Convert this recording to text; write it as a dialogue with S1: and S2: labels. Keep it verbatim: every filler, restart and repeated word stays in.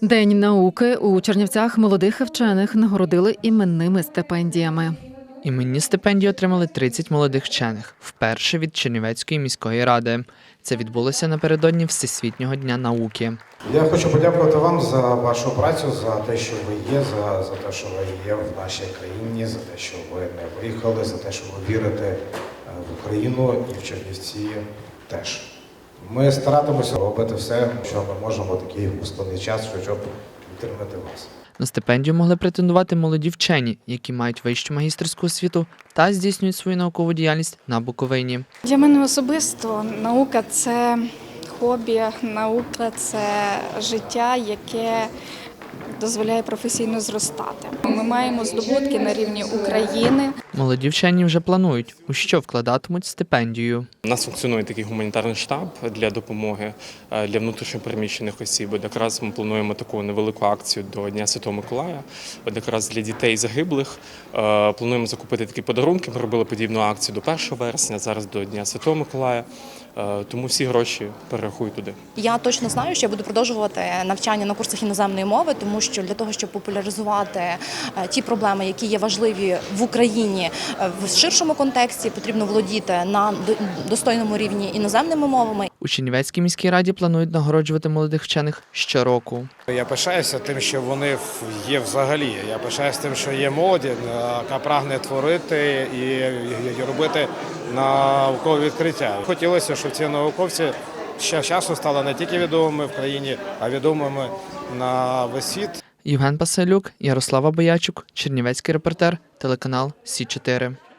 S1: День науки. У Чернівцях молодих вчених нагородили іменними стипендіями.
S2: Іменні стипендії отримали тридцять молодих вчених, вперше від Чернівецької міської ради. Це відбулося напередодні Всесвітнього дня науки.
S3: Я хочу подякувати вам за вашу працю, за те, що ви є, за, за те, що ви є в нашій країні, за те, що ви не виїхали, за те, що ви вірите в Україну і в Чернівці теж. Ми старатимося робити все, що ми можемо в такий складний час, щоб підтримати вас.
S2: На стипендію могли претендувати молоді вчені, які мають вищу магістерську освіту та здійснюють свою наукову діяльність на Буковині.
S4: Для мене особисто наука – це хобі, наука – це життя, яке дозволяє професійно зростати. Ми маємо здобутки на рівні України.
S2: Молоді вчені вже планують, у що вкладатимуть стипендію.
S5: У нас функціонує такий гуманітарний штаб для допомоги для внутрішньопереміщених осіб. От якраз ми плануємо таку невелику акцію до Дня Святого Миколая. От якраз для дітей загиблих плануємо закупити такі подарунки. Ми робили подібну акцію до першого вересня, зараз до Дня Святого Миколая. Тому всі гроші перерахую туди.
S6: Я точно знаю, що я буду продовжувати навчання на курсах іноземної мови, тому що для того, щоб популяризувати ті проблеми, які є важливі в Україні в ширшому контексті, потрібно володіти на достойному рівні іноземними мовами.
S2: У Чернівецькій міській раді планують нагороджувати молодих вчених щороку.
S3: Я пишаюся тим, що вони є взагалі. Я пишаюся тим, що є молодь, яка прагне творити і робити наукові відкриття. Хотілося, щоб ці науковці ще часу стали не тільки відомими в країні, а відомими на весь світ.
S2: Євген Пасалюк, Ярослава Боячук, Чернівецький репортер, телеканал Сі чотири.